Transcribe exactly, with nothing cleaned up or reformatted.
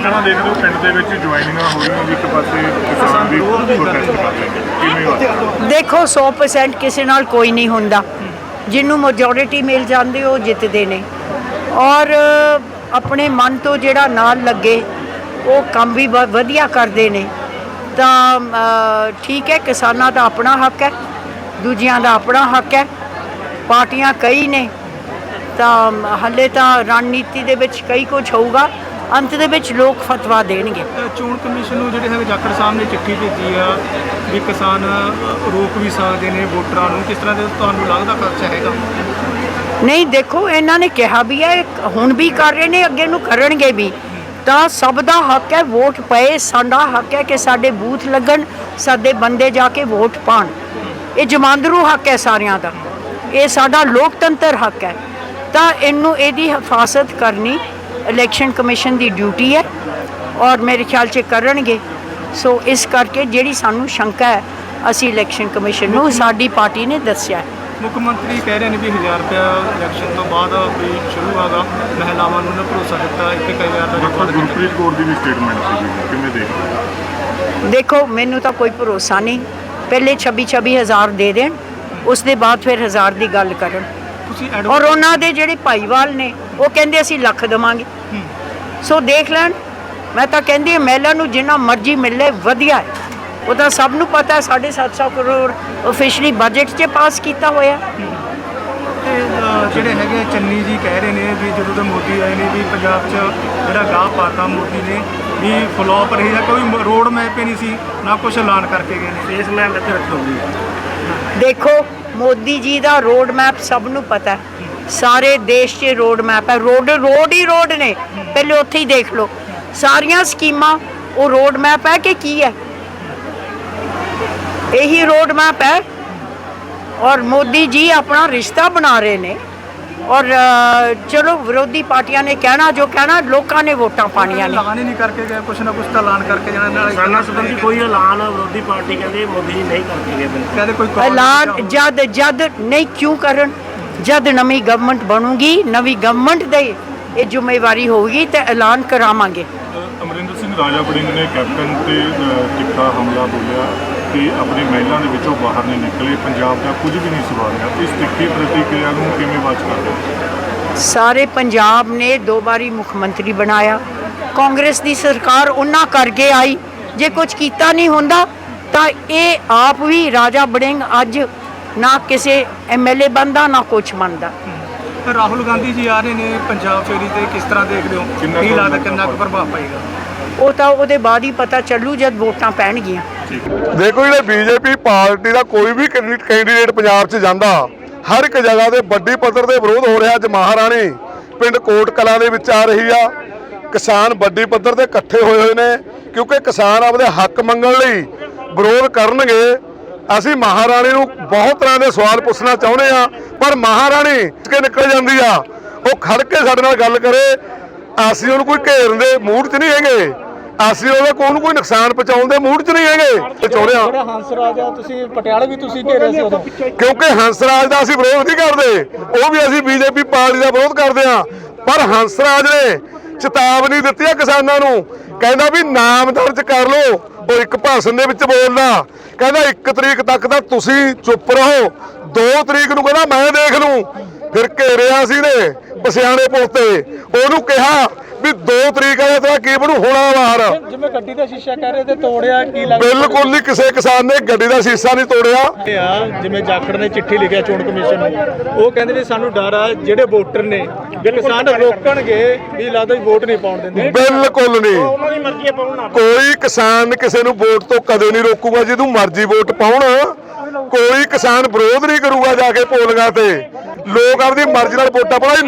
ਤਰ੍ਹਾਂ ਦੇਖਦੇ ਹੋ ਪਿੰਡ ਦੇ ਵਿੱਚ ਜੁਆਇਨਿੰਗਾਂ ਹੋ ਰਹੀਆਂ ਜੀ, ਇੱਕ ਪਾਸੇ ਕਿਸਾਨ ਵੀ ਪ੍ਰੋਟੈਸਟ ਕਰ ਰਹੇ ਨੇ, ਕਿਵੇਂ ਵਾ? ਦੇਖੋ ਸੌ ਪਰਸੈਂਟ ਕਿਸੇ ਨਾਲ ਕੋਈ ਨਹੀਂ ਹੁੰਦਾ, ਜਿਹਨੂੰ ਮੈਜੋਰਿਟੀ ਮਿਲ ਜਾਂਦੀ ਉਹ ਜਿੱਤਦੇ ਨੇ, ਔਰ ਆਪਣੇ ਮਨ ਤੋਂ ਜਿਹੜਾ ਨਾਲ ਲੱਗੇ ਉਹ ਕੰਮ ਵੀ ਬ- ਵਧੀਆ ਕਰਦੇ ਨੇ। ਤਾਂ ਅ, ਠੀਕ ਹੈ, ਕਿਸਾਨਾਂ ਦਾ ਆਪਣਾ ਹੱਕ ਹੈ, ਦੂਜਿਆਂ ਦਾ ਆਪਣਾ ਹੱਕ ਹੈ, ਪਾਰਟੀਆਂ ਕਈ ਨੇ, ਤਾਂ ਹਾਲੇ ਤਾਂ ਰਣਨੀਤੀ ਦੇ ਵਿੱਚ ਕਈ ਕੁਝ ਹੋਊਗਾ, ਅੰਤ ਦੇ ਵਿੱਚ ਲੋਕ ਫਤਵਾ ਦੇਣਗੇ। ਚੋਣ ਕਮਿਸ਼ਨ ਨੂੰ ਜਿਹੜੇ ਹੈਗੇ ਜਾਖੜ ਸਾਹਿਬ ਨੇ ਚਿੱਠੀ ਭੇਜੀ ਆ ਵੀ ਕਿਸਾਨ ਰੋਕ ਵੀ ਸਕਦੇ ਨੇ ਵੋਟਰਾਂ ਨੂੰ, ਕਿਸ ਤਰ੍ਹਾਂ ਦੇ ਤੁਹਾਨੂੰ ਲੱਗਦਾ ਖਰਚਾ ਹੈਗਾ? ਨਹੀਂ, ਦੇਖੋ ਇਹਨਾਂ ਨੇ ਕਿਹਾ ਵੀ ਹੈ, ਹੁਣ ਵੀ ਕਰ ਰਹੇ ਨੇ, ਅੱਗੇ ਨੂੰ ਕਰਨਗੇ ਵੀ, ਤਾਂ ਸਭ ਦਾ ਹੱਕ ਹੈ ਵੋਟ ਪਏ। ਸਾਡਾ ਹੱਕ ਹੈ ਕਿ ਸਾਡੇ ਬੂਥ ਲੱਗਣ, ਸਾਡੇ ਬੰਦੇ ਜਾ ਕੇ ਵੋਟ ਪਾਣ, ਇਹ ਜਮਾਂਦਰੂ ਹੱਕ ਹੈ ਸਾਰਿਆਂ ਦਾ, ਇਹ ਸਾਡਾ ਲੋਕਤੰਤਰ ਹੱਕ ਹੈ। ਤਾਂ ਇਹਨੂੰ ਇਹਦੀ ਹਿਫਾਜ਼ਤ ਕਰਨੀ ਇਲੈਕਸ਼ਨ ਕਮਿਸ਼ਨ ਦੀ ਡਿਊਟੀ ਹੈ, ਔਰ ਮੇਰੇ ਖਿਆਲ 'ਚ ਕਰਨਗੇ। ਸੋ ਇਸ ਕਰਕੇ ਜਿਹੜੀ ਸਾਨੂੰ ਸ਼ੰਕਾ ਹੈ ਅਸੀਂ ਇਲੈਕਸ਼ਨ ਕਮਿਸ਼ਨ ਨੂੰ ਸਾਡੀ ਪਾਰਟੀ ਨੇ ਦੱਸਿਆ ਹੈ। ਮੁੱਖ ਮੰਤਰੀ ਕਹਿ ਰਹੇ ਨੇ ਵੀ ਹਜ਼ਾਰ ਰੁਪਇਆ ਇਲੈਕਸ਼ਨ ਤੋਂ ਬਾਅਦ ਵੀ ਸ਼ੁਰੂ ਹੋਗਾ, ਮਹਿਲਾਵਾਂ ਨੂੰ ਉਹਨੇ ਭਰੋਸਾ ਦਿੱਤਾ ਇੱਕ ਇੱਕ ਹਜ਼ਾਰ ਦਾ ਦੇਖੋ ਗੁਰਪ੍ਰੀਤ ਕੌਰ ਦੀ ਵੀ ਸਟੇਟਮੈਂਟ ਸੀ, ਕਿਵੇਂ ਦੇਖਦੇ ਹੋ? ਦੇਖੋ ਮੈਨੂੰ ਤਾਂ ਕੋਈ ਭਰੋਸਾ ਨਹੀਂ, ਪਹਿਲੇ ਛੱਬੀ ਛੱਬੀ ਹਜ਼ਾਰ ਦੇ ਦੇਣ, ਉਸ ਦੇ ਬਾਅਦ ਫਿਰ ਹਜ਼ਾਰ ਦੀ ਗੱਲ ਕਰਨ। ਤੁਸੀਂ ਔਰ ਉਹਨਾਂ ਦੇ ਜਿਹੜੇ ਭਾਈਵਾਲ ਨੇ ਉਹ ਕਹਿੰਦੇ ਅਸੀਂ ਲੱਖ ਦੇਵਾਂਗੇ, ਸੋ ਦੇਖ ਲੈਣ। ਮੈਂ ਤਾਂ ਕਹਿੰਦੀ ਹਾਂ ਮਹਿਲਾ ਨੂੰ ਜਿੰਨਾ ਮਰਜ਼ੀ ਮਿਲੇ ਵਧੀਆ ਹੈ, ਉਹ ਤਾਂ ਸਭ ਨੂੰ ਪਤਾ ਹੈ। ਸਾਢੇ ਸੱਤ ਸੌ ਕਰੋੜ ਆਫੀਸ਼ਲੀ ਬਜਟ 'ਚ ਪਾਸ ਕੀਤਾ ਹੋਇਆ। ਤੇ ਅ, ਜਿਹੜੇ ਹੈਗੇ ਚੰਨੀ ਜੀ ਕਹਿ ਰਹੇ ਨੇ ਵੀ ਜਦੋਂ ਤੋਂ ਮੋਦੀ ਆਏ ਨੇ ਵੀ ਪੰਜਾਬ 'ਚ ਜਿਹੜਾ ਗਾਹ ਪਾਤਾ ਮੋਦੀ ਨੇ ਵੀ ਫਲੋਪ ਰਹੀ ਹੈ, ਕੋਈ ਰੋਡ ਮੈਪ ਹੀ ਨਹੀਂ ਸੀ, ਨਾ ਕੁਛ ਐਲਾਨ ਕਰਕੇ ਗਏ ਨੇ। ਇਸ ਲੈਣ ਇੱਥੇ ਰੱਖੋ ਜੀ। ਦੇਖੋ ਮੋਦੀ ਜੀ ਦਾ ਰੋਡ ਮੈਪ ਸਭ ਨੂੰ ਪਤਾ ਹੈ, ਸਾਰੇ ਦੇਸ਼ 'ਚ ਰੋਡ ਮੈਪ ਹੈ, ਰੋਡ ਰੋਡ ਹੀ ਰੋਡ ਨੇ, ਪਹਿਲੇ ਉੱਥੇ ਹੀ ਦੇਖ ਲਓ ਸਾਰੀਆਂ ਸਕੀਮਾਂ, ਉਹ ਰੋਡ ਮੈਪ ਹੈ ਕਿ ਕੀ ਹੈ? ਇਹੀ ਰੋਡ ਮੈਪ ਹੈ। ਔਰ ਮੋਦੀ ਜੀ ਆਪਣਾ ਰਿਸ਼ਤਾ ਬਣਾ ਰਹੇ ਨੇ, ਔਰ ਚਲੋ ਵਿਰੋਧੀ ਪਾਰਟੀਆਂ ਨੇ ਕਹਿਣਾ ਜੋ ਕਹਿਣਾ, ਲੋਕਾਂ ਨੇ ਵੋਟਾਂ ਪਾਣੀਆਂ ਨੇ। ਐਲਾਨ ਹੀ ਨਹੀਂ ਕਰਕੇ ਗਏ, ਕੁਛ ਨਾ ਕੁਛ ਤਾਂ ਐਲਾਨ ਕਰਕੇ ਜਾਣਾ। ਨਾਲ ਕਿਸਾਨਾਂ ਸੰਬੰਧੀ ਕੋਈ ਐਲਾਨ ਵਿਰੋਧੀ ਪਾਰਟੀ ਕਹਿੰਦੇ ਮੋਦੀ ਜੀ ਨਹੀਂ ਕਰਕੇ ਗਏ। ਕਹਿੰਦੇ ਕੋਈ call ਐਲਾਨ ਨਹੀਂ ਜਦ ਜਦ ਨਹੀਂ ਕਿਉਂ ਕਰਨ? ਜਦ ਨਵੀਂ ਗਵਰਨਮੈਂਟ ਬਣੂਗੀ, ਨਵੀਂ ਗਵਰਨਮੈਂਟ ਦੇ ਇਹ ਜ਼ਿੰਮੇਵਾਰੀ ਹੋਊਗੀ ਤੇ ਐਲਾਨ ਕਰਾਵਾਂਗੇ। ਅਮਰਿੰਦਰ ਸਿੰਘ ਰਾਜਾ ਵੜਿੰਗ ਨੇ ਕੈਪਟਨ ਤੇ ਅ, ਕੀਤਾ ਹਮਲਾ, ਬੋਲਿਆ ਕਿ ਆਪਣੀ ਮਹਿਲਾ ਦੇ ਵਿੱਚੋਂ ਬਾਹਰ ਨਹੀਂ ਨਿਕਲੇ, ਪੰਜਾਬ ਦਾ ਕੁਝ ਵੀ ਨਹੀਂ ਸਵਾਰਿਆ। ਇਸ ਤਿੱਖੀ ਪ੍ਰਤੀਕਿਰਿਆ ਨੂੰ ਕਿਵੇਂ ਵਾਚ ਕਰਦੇ ਹੋ? ਸਾਰੇ ਪੰਜਾਬ ਨੇ ਦੋ ਵਾਰੀ ਮੁੱਖ ਮੰਤਰੀ ਬਣਾਇਆ, ਕਾਂਗਰਸ ਦੀ ਸਰਕਾਰ ਉਹਨਾਂ ਕਰਕੇ ਆਈ। ਜੇ ਕੁਝ ਕੀਤਾ ਨਹੀਂ ਹੁੰਦਾ ਤਾਂ ਇਹ ਆਪ ਵੀ ਰਾਜਾ ਵੜਿੰਗ ਅੱਜ ਨਾ ਕਿਸੇ ਐਮ ਐਲ ਏ ਬਣਦਾ ਨਾ ਕੁਛ ਬਣਦਾ। ਰਾਹੁਲ ਗਾਂਧੀ ਜੀ ਆ ਰਹੇ ਨੇ ਪੰਜਾਬ ਫੇਰੀ ਤੇ, ਕਿਸ ਤਰ੍ਹਾਂ ਦੇਖਦੇ ਹੋ? ਕਿੰਨਾ ਕੀ ਕੁ ਲੱਗਦਾ ਕਿੰਨਾ ਕੁ ਪ੍ਰਭਾਵ ਪਏਗਾ? ਉਹ ਤਾਂ ਉਹਦੇ ਬਾਅਦ ਹੀ ਪਤਾ ਚੱਲੂ ਜਦ ਵੋਟਾਂ ਪੈਣਗੀਆਂ। ਦੇਖੋ ਜਿਹੜੇ ਬੀਜੇਪੀ ਪਾਰਟੀ ਦਾ ਕੋਈ ਵੀ ਕੈਂਡੀਡੇਟ ਪੰਜਾਬ 'ਚ ਜਾਂਦਾ, ਹਰ ਇੱਕ ਜਗ੍ਹਾ ਤੇ ਵੱਡੀ ਪੱਧਰ ਤੇ ਵਿਰੋਧ ਹੋ ਰਿਹਾ। ਅੱਜ ਮਹਾਰਾਣੀ ਪਿੰਡ ਕੋਟ ਕਲਾਂ ਦੇ ਵਿੱਚ ਆ ਰਹੀ ਆ, ਕਿਸਾਨ ਵੱਡੀ ਪੱਧਰ ਤੇ ਇਕੱਠੇ ਹੋਏ ਹੋਏ ਨੇ, ਕਿਉਂਕਿ ਕਿਸਾਨ ਆਪਦੇ ਹੱਕ ਮੰਗਣ ਲਈ ਵਿਰੋਧ ਕਰਨਗੇ। ਅਸੀਂ ਮਹਾਰਾਣੀ ਨੂੰ ਬਹੁਤ ਤਰ੍ਹਾਂ ਦੇ ਸਵਾਲ ਪੁੱਛਣਾ ਚਾਹੁੰਦੇ ਆ, ਪਰ ਮਹਾਰਾਣੀ ਕੇ ਨਿਕਲ ਜਾਂਦੀ ਆ, ਉਹ ਖੜ ਕੇ ਸਾਡੇ ਨਾਲ ਗੱਲ ਕਰੇ। ਅਸੀਂ ਉਹਨੂੰ ਕੋਈ ਘੇਰਨ ਦੇ ਮੂਡ 'ਚ ਨਹੀਂ ਹੈਗੇ, ਅਸੀਂ ਉਹਦੇ ਕੋਲ ਨੂੰ ਕੋਈ ਨੁਕਸਾਨ ਪਹੁੰਚਾਉਣ ਦੇ ਮੂਡ 'ਚ ਨਹੀਂ ਹੈਗੇ। ਚਾਹੁੰਦੇ ਆ ਜਿਹੜਾ ਹੰਸਰਾਜ ਆ, ਤੁਸੀਂ ਪਟਿਆਲੇ ਵੀ ਤੁਸੀਂ ਘੇਰੇ ਸੀ ਉਦੋਂ, ਕਿਉਂਕਿ ਹੰਸਰਾਜ ਦਾ ਅਸੀਂ ਵਿਰੋਧ ਨਹੀਂ ਕਰਦੇ, ਉਹ ਵੀ ਅਸੀਂ ਬੀਜੇਪੀ ਪਾਰਟੀ ਦਾ ਵਿਰੋਧ ਕਰਦੇ ਆ। ਪਰ ਹੰਸਰਾਜ ਨੇ ਚੇਤਾਵਨੀ ਦਿੱਤੀ ਆ ਕਿਸਾਨਾਂ ਨੂੰ, ਕਹਿੰਦਾ ਵੀ ਨਾਮ ਦਰਜ ਕਰ ਲਓ। ਉਹ ਇੱਕ ਭਾਸ਼ਣ ਦੇ ਵਿੱਚ ਬੋਲਦਾ, ਕਹਿੰਦਾ ਇੱਕ ਤਰੀਕ ਤੱਕ ਤਾਂ ਤੁਸੀਂ ਚੁੱਪ ਰਹੋ, ਦੋ ਤਰੀਕ ਨੂੰ ਕਹਿੰਦਾ ਮੈਂ ਦੇਖ ਲੂੰ। ਫਿਰ ਘੇਰਿਆ ਸੀ ਨੇ ਪਸਿਆਣੇ ਪੁਲ ਤੇ, ਉਹਨੂੰ ਕਿਹਾ ਵੀ ਦੋ ਤਰੀਕ ਆਇਆ ਤਾਂ ਕੀ ਬਣੂ, ਹੋਣਾ ਬਾਹਰ। ਜਿਵੇਂ ਗੱਡੀ ਦਾ ਸ਼ੀਸ਼ਾ ਕਹਿ ਰਹੇ ਤੇ ਤੋੜਿਆ, ਕੀ ਲੱਗਦਾ? ਬਿਲਕੁਲ ਨਹੀਂ, ਕਿਸੇ ਕਿਸਾਨ ਨੇ ਗੱਡੀ ਦਾ ਸ਼ੀਸ਼ਾ ਨਹੀਂ ਤੋੜਿਆ। ਆ ਜਿਵੇਂ ਜਾਖੜ ਨੇ ਚਿੱਠੀ ਲਿਖਿਆ ਚੋਣ ਕਮਿਸ਼ਨ ਨੂੰ, ਉਹ ਕਹਿੰਦੇ ਵੀ ਸਾਨੂੰ ਡਰ ਆ ਜਿਹੜੇ ਵੋਟਰ ਨੇ ਵੀ ਕਿਸਾਨ ਰੋਕਣਗੇ, ਵੀ ਲੱਗਦਾ ਵੀ ਵੋਟ ਨਹੀਂ ਪਾਉਣ ਦਿੰਦੇ। ਬਿਲਕੁਲ ਨਹੀਂ, ਉਹਨਾਂ ਦੀ ਮਰਜ਼ੀ ਹੈ ਪਾਉਣਾ। ਕੋਈ ਕਿਸਾਨ ਕਿਸੇ ਨੂੰ ਵੋਟ ਤੋਂ ਕਦੇ ਨਹੀਂ ਰੋਕੂਗਾ। ਜਿਹਨੂੰ ਮਰਜ਼ੀ ਵੋਟ ਪਾਉਣ, ਕੋਈ ਕਿਸਾਨ ਵਿਰੋਧ ਨਹੀਂ ਕਰੂਗਾ ਜਾ ਕੇ ਪੋਲਿੰਗਾਂ ਤੇ। ਲੋਕ ਆਪਣੀ ਮਰਜ਼ੀ ਨਾਲ ਵੋਟਾਂ ਪਾਉਣ।